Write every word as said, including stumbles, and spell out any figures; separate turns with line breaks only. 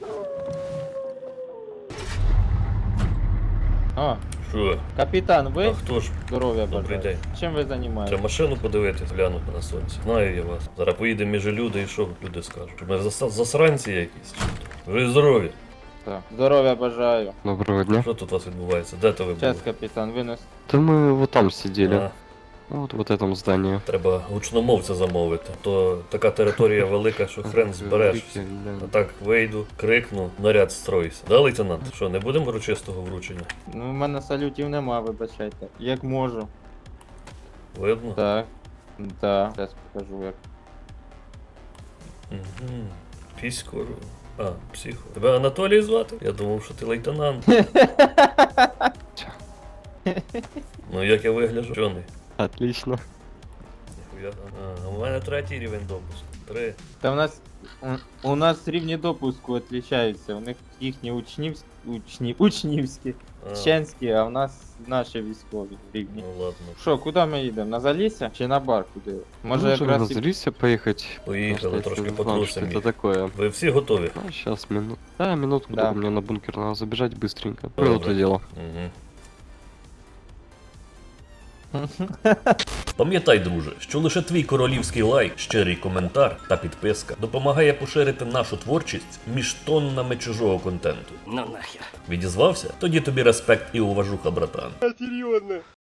О,
Що?
капітан,
А
ви?
хто ж?
Здоров'я
Добрий
бажаю.
день.
Чим ви займаєтесь?
Треба машину подивитись, глянути на сонці. Знаю я вас. Зараз поїдемо між люди і що люди скажуть? Що ми зас- засранці якісь? Чи що? Ви здорові.
Так. Здоров'я бажаю.
Доброго дня.
Що тут у вас відбувається? Де то ви були?
Час, капітан, винес.
Да мы вот там сидели.
А,
Вот в вот этом здании.
треба гучномовця замовити. То така територія велика, що хрен збереш. А так вийду, крикну, наряд стройся. Да, лейтенант? Що, не будемо урочистого вручення?
Ну, в мене салютів нема, вибачайте. Як можу.
Видно?
Так. Так. Зараз покажу як.
Угу. Пісько. А, психо. Тебе Анатолій звати? Я думав, що ти лейтенант. Ну як я вигляджу? Чорний.
Отлично.
Ніхуя. А, у мене третій рівень допуску. Три.
Та в нас. У, у нас рівні допуску відрізняються. У них їхні учнівські. Учні, учнівські,
А,
вченські, а в нас наші військові рівні.
ну ладно.
Що, куди ми їдемо? На Залісся чи на бар куди? Може
Можем на
якраз і...
Залисье поехать.
Поїхали,
Потому что
трошки
я не знал, что
потрусимо.
это такое.
Ви всі готові?
А, сейчас минут. Да, минутку,
Да.
только мне на бункер надо забежать быстренько.
Добре.
Вот это дело.
Угу. Пам'ятай, друже, що лише твій королівський лайк, щирий коментар та підписка допомагає поширити нашу творчість між тоннами чужого контенту.
Ну нахер.
Відізвався? Тоді тобі респект і уважуха, братан.